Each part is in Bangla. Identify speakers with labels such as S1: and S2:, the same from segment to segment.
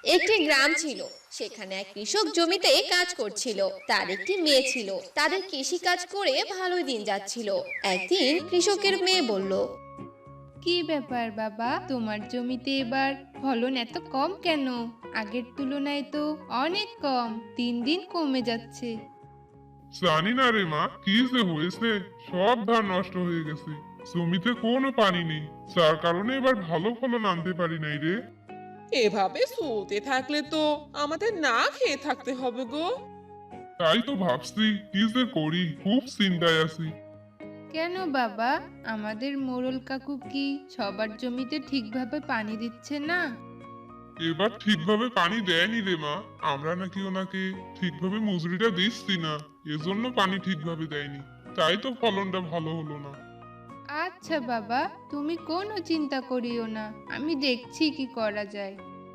S1: একটি গ্রাম ছিল। সেখানে এক কৃষক জমিতে কাজ করছিল। তার একটি মেয়ে ছিল। তাদের কৃষি কাজ করে ভালোই দিন যাচ্ছিল। একদিন কৃষকের মেয়ে বলল,
S2: কি ব্যাপার বাবা, তোমার জমিতে এবার ফলন এত কম কেন? আগের তুলনায় তো অনেক কম, দিন দিন কমে যাচ্ছে।
S3: জানি না রে মা, কি যে হয়েছে, সব ধান নষ্ট হয়ে গেছে। জমিতে কোনো পানি নেই, যার কারণে এবার ভালো ফলন আনতে পারি নাই রে।
S4: এভাবে চলতে থাকলে তো আমাদের না খেয়ে থাকতে হবে গো।
S3: তাই তো ভাবছি কি যে করি, খুব চিন্তায় আছি।
S2: কেন বাবা, আমাদের মোড়ল কাকু কি সবার জমিতে ঠিকভাবে পানি দিচ্ছে না?
S3: এবার ঠিকভাবে পানি দেয়নি রে মা, আমরা নাকি ওনাকে ঠিকভাবে মজুরিটা দিচ্ছি না, এজন্য পানি ঠিকভাবে দেয়নি। তাই তো ফলনটা ভালো হলো না।
S2: আচ্ছা বাবা, তুমি কোনো চিন্তা করিও না, আমি দেখছি কি করা যায়।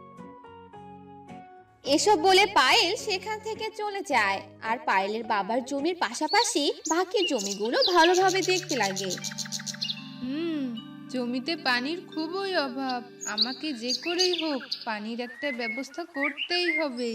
S1: এসব বলে পায়েল সেখান থেকে চলে যায়। আর পায়েলের বাবার জমির পাশাপাশি বাকি জমিগুলো ভালোভাবে দেখতে লাগে।
S2: হুম, জমিতে পানির খুবই অভাব। আমাকে যে করেই হোক পানির একটা ব্যবস্থা করতেই হবে।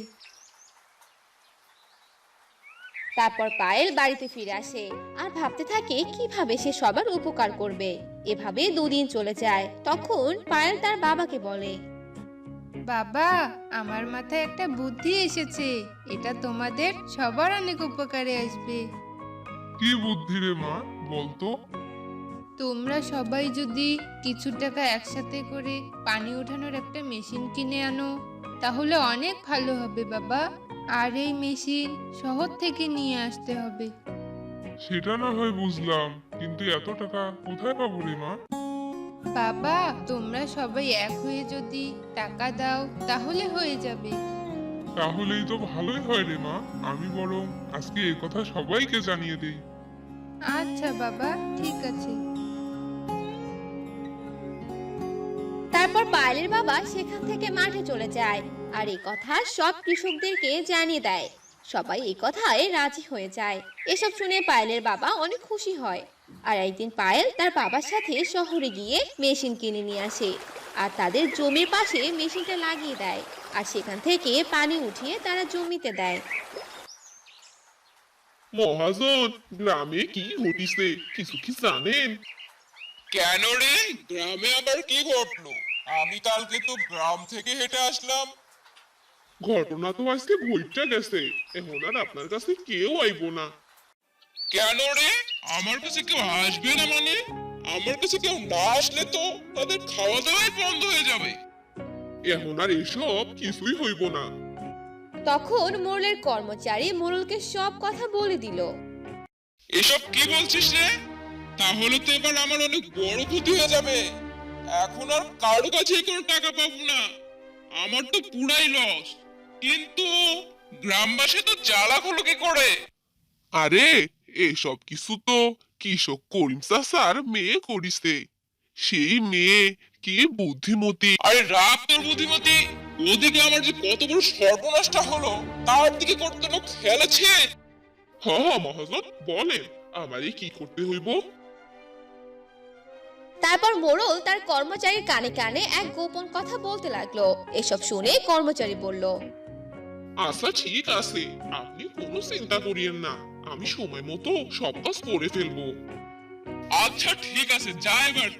S1: তারপর পায়েল বাড়িতে ফিরে আসে আর ভাবতে থাকে কিভাবে সে সবার উপকার করবে। এভাবে দুদিন চলে যায়। তখন পায়েল তার বাবাকে বলে,
S2: বাবা, আমার মাথায় একটা বুদ্ধি এসেছে। এটা তোমাদের সবার অনেক উপকারে আসবে।
S3: কি বুদ্ধি রে মা, বলতো।
S2: তোমরা সবাই যদি কিছু টাকা একসাথে করে পানি ওঠানোর একটা মেশিন কিনে আনো, তাহলে অনেক ভালো হবে বাবা। আর এই মেশিন শহর থেকে নিয়ে আসতে হবে।
S3: সেটা না হয় বুঝলাম, কিন্তু এত টাকা কোথায় পাবো রে মা?
S2: বাবা, তোমরা সবাই এক হয়ে যদি টাকা দাও তাহলে হয়ে যাবে।
S3: তাহলেই তো ভালোই হয় রে মা, আমি বরং আজকে এ কথা সবাইকে জানিয়ে দেই।
S2: আচ্ছা বাবা, ঠিক আছে।
S1: তারপর পায়েলের বাবা সেখান থেকে মাঠে চলে যায় আর এই কথা সব কৃষকদেরকে জানিয়ে দেয়। সবাই এই কথায় রাজি হয়ে যায়। এসব শুনে পায়েলের বাবা অনেক খুশি হয়। আর একদিন পায়েল তার বাবার সাথে শহরে গিয়ে মেশিন কিনে নিয়ে আসে আর তাদের জমির পাশে মেশিনটা লাগিয়ে দেয়। আর সেখান থেকে পানি উঠিয়ে তারা জমিতে দেয়।
S5: মহাজন, গ্রামে কি ঘটিছে কিছু কি জানেন?
S6: কেন রে, গ্রামে আবার কি ঘটলো? আমি কালকে তো গ্রাম থেকে হেঁটে আসলাম।
S5: ঘটনা তো আজকে ঘটে গেছে, এখন আর আপনার কাছে কেউ আইবো না।
S6: কেন রে, আমার কাছে কেউ আসবে না মানে? আমার কাছে কেউ না আসলে তো তাদের খাওয়া দাওয়াই বন্ধ হয়ে যাবে।
S5: এখন আর এসব কিছুই হইব না।
S1: তখন মোড়লের কর্মচারী মোড়লকে সব কথা বলে দিল।
S6: এসব কি বলছিস রে? তাহলে তো এবার আমার অনেক বড় ক্ষতি হয়ে যাবে। এখন আর কারো কাছে কোনো টাকা পাবো না, আমার তো পুরাই লস। কিন্তু গ্রামবাসী তো জ্বালা হলো কি করে?
S5: আরে, এসব কিছু তো কৃষক করিম চাচার মেয়ে করিছে। সেই মেয়ে কি বুদ্ধিমতী।
S6: আরে রাগ তোর বুদ্ধিমতী, ওদিকে আমার যে কত বড় সর্বনাশটা হলো তার দিকে কোনো খেয়াল আছে?
S5: হ্যাঁ মহাজন, বলেন আমারে কি করতে হইব?
S1: তারপর মোড়ল তার কর্মচারীর কানে কানে এক গোপন কথা বলতে লাগলো। এসব শুনে কর্মচারী বলল,
S5: আচ্ছা ঠিক আছে, আপনি কোনো চিন্তা করিয়েন না, আমি সময় মতো সব কাজ করে ফেলবো।
S6: আচ্ছা ঠিক আছে, যা এবার।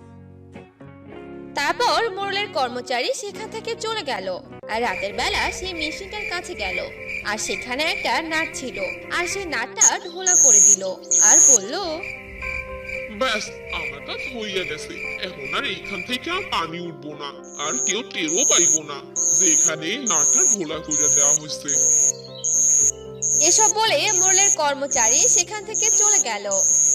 S1: তারপর মোড়লের কর্মচারী সেখান থেকে চলে গেল। আর রাতের বেলা সেই মেশিনটার কাছে গেল আর সেখানে একটা নাট ছিল। আর সেই নাটটা ঢোলা করে দিল আর বলল,
S5: ব্যাস, আমার কাজ হইয়া গেছে। এখন আর এইখান থেকে আর পানি উঠবো না, আর কেউ টেরও পাইবো না যে এখানে নাটটা ঢোলা করে দেওয়া হয়েছে।
S1: এসব বলে মোড়লের কর্মচারী সেখান থেকে চলে গেল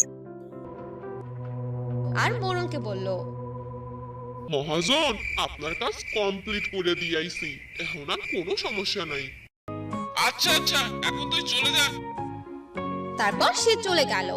S1: আর মোড়লকে বলল,
S5: মহাজন, আপনার কাজ কমপ্লিট করে দিয়াইছি, এখন আর কোনো সমস্যা নাই।
S6: আচ্ছা আচ্ছা, এখন তুই চলে যা।
S1: তারপর সে চলে গেল।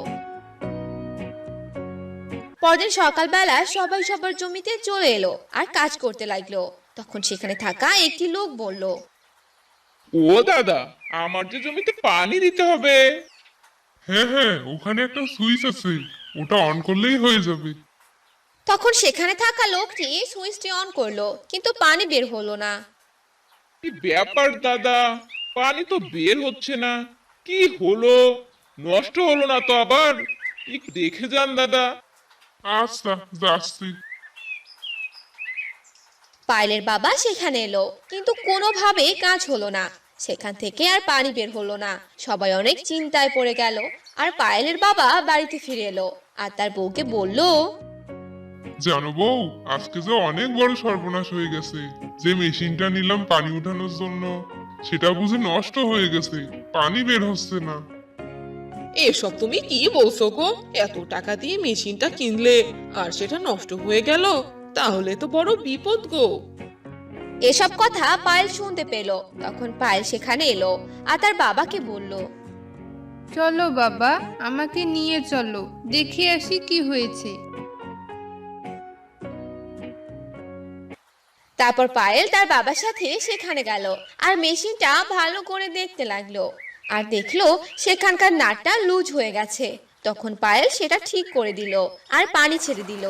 S1: পরদিন সকালবেলা সবাই সবার জমিতে চলে এলো আর কাজ করতে লাগলো। তখন সেখানে থাকা একটি লোক বলল,
S6: ও দাদা, আমার যে জমিতে পানি দিতে হবে।
S3: হ্যাঁ হ্যাঁ, ওখানে একটা সুইচ আছে, ওটা অন করলেই হয়ে যাবে।
S1: তখন সেখানে থাকা লোকটি সুইচটি অন করলো, কিন্তু পানি বের হলো না।
S6: কি ব্যাপার দাদা, পানি তো বের হচ্ছে না, কি হলো? নষ্ট হলো না তো আবার? একটু দেখে যান দাদা।
S3: আচ্ছা, যাচ্ছি।
S1: পায়েলের বাবা সেখানে এলো, কিন্তু কোনোভাবেই কাজ হলো না। সেখান থেকে আর পানি বের হলো না। সবাই অনেক চিন্তায় পড়ে গেল। আর পায়েলের বাবা বাড়িতে ফিরে এলো আর তার বউকে বলল,
S3: জানো বউ, আজকে যে অনেক বড় সর্বনাশ হয়ে গেছে। যে মেশিনটা নিলাম পানি উঠানোর জন্য, সেটা বুঝি নষ্ট হয়ে গেছে, পানি বের হচ্ছে না।
S4: এসব তুমি কি বলছো গো? এত টাকা দিয়ে মেশিনটা কিনলে আর সেটা নষ্ট হয়ে গেল, তাহলে তো বড় বিপদ গো।
S1: এসব কথা পায়েল শুনতে পেল। তখন পায়েল সেখানে এলো আর তার বাবাকে বলল,
S2: চলো বাবা, আমাকে নিয়ে চলো, দেখে আসি কি হয়েছে।
S1: তারপর পায়েল তার বাবার সাথে সেখানে গেল আর মেশিনটা ভালো করে দেখতে লাগলো। আর দেখলো সেখানকার নাটটা লুজ হয়ে গেছে। তখন পায়েল সেটা ঠিক করে দিল আর পানি ছেড়ে দিল।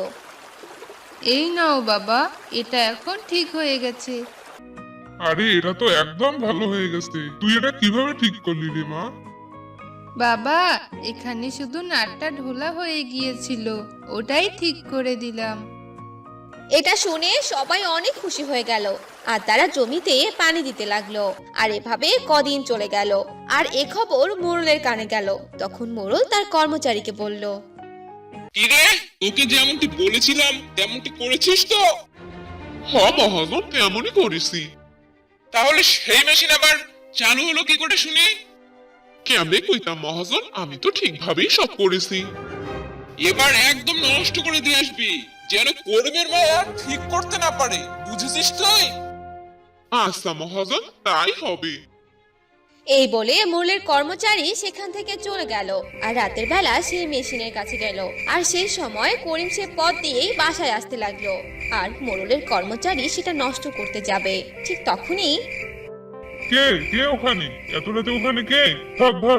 S2: এই নাও বাবা, এটা এখন ঠিক হয়ে গেছে।
S3: আরে এটা তো একদম ভালো হয়ে গেছে। তুই এটা কিভাবে ঠিক করলি রে মা?
S2: বাবা, এখানে শুধু নাটটা ঢোলা হয়ে গিয়েছিল, ওটাই ঠিক করে দিলাম।
S1: এটা শুনে সবাই অনেক খুশি হয়ে গেল আর তারা জমিতে পানি দিতে লাগলো। আর এভাবে কদিন চলে গেল। আর এ খবর মোড়লের কানে গেল। তখন মোড়ল তার কর্মচারীকে বলল,
S6: কি রে, তোকে যেমনটি বলেছিলাম তেমনটি করেছিস তো?
S5: হ্যাঁ মহাজন, তেমনই করেছি।
S6: তাহলে সেই মেশিন আবার চালু হলো কি করে শুনি?
S5: কেমনে কইতাম মহাজন, আমি তো ঠিকভাবেই সব করেছি।
S6: এবার একদম নষ্ট করে দিয়ে আসবি, যেন কর্মের মায়া ঠিক করতে না পারে, বুঝেছিস তুই?
S5: আচ্ছা মহাজন, তাই হবে।
S1: এই বলে মোড়লের কর্মচারী সেখান থেকে চলে গেল। আর রাতের বেলা সেই মেশিনের কাছে গেল। আর সেই সময় করিম সে পথ দিয়েই বাসায় আসতে লাগলো। আর মোড়লের কর্মচারী সেটা নষ্ট করতে যাবে। ঠিক তখনই
S3: কে কে ওখানে? এত রাতে ওখানে কে? ধর ধর।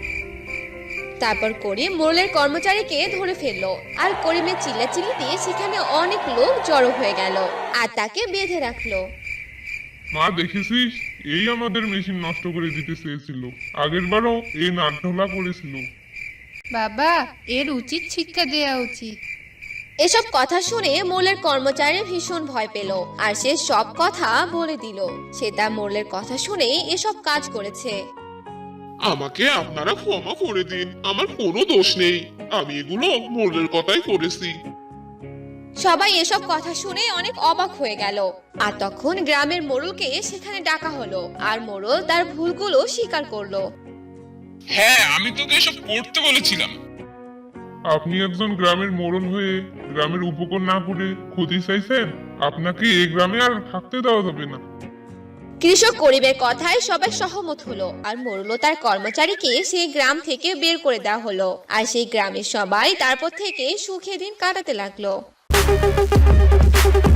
S1: তারপর করিম মোড়লের কর্মচারীকে ধরে ফেললো। আর করিমের চিল্লাচিল্লিতে সেখানে অনেক লোক জড়ো হয়ে গেল আর তাকে বেঁধে রাখলো।
S3: মা দেখেছিস, এই আমাদের মেশিন নষ্ট করে দিতে চেয়েছিল। আগের বারও এই নাট ঢোলা করেছিল।
S2: বাবা, এর উচিত শিক্ষা দেয়া উচিত।
S1: এসব কথা শুনে মোড়লের কর্মচারী ভীষণ ভয় পেল। আর সে সব কথা বলে দিল। সে তার মোড়লের কথা শুনে এসব কাজ করেছে।
S5: আমাকে আপনারা ক্ষমা করে দিন, আমার কোনো দোষ নেই। আমি এগুলো মোড়লের কথাই করেছি।
S1: সবাই এসব কথা শুনে অনেক অবাক হয়ে গেল। আর তখন গ্রামের মোড়লকে সেখানে ডাকা হলো। আর মোড়ল তার ভুলগুলো স্বীকার করলো।
S6: হ্যাঁ, আমি তোকে এসব করতে বলেছিলাম।
S3: আপনি একজন গ্রামের মোড়ল হয়ে গ্রামের উপকার না করে ক্ষতি চাইছেন? আপনাকে এই গ্রামে আর থাকতে দেওয়া যাবে না।
S1: কৃষক করিমের কথায় সবাই সহমত হলো। আর মোড়ল তার কর্মচারীকে সেই গ্রাম থেকে বের করে দেওয়া হলো। আর সেই গ্রামের সবাই তারপর থেকে সুখে দিন কাটাতে লাগলো।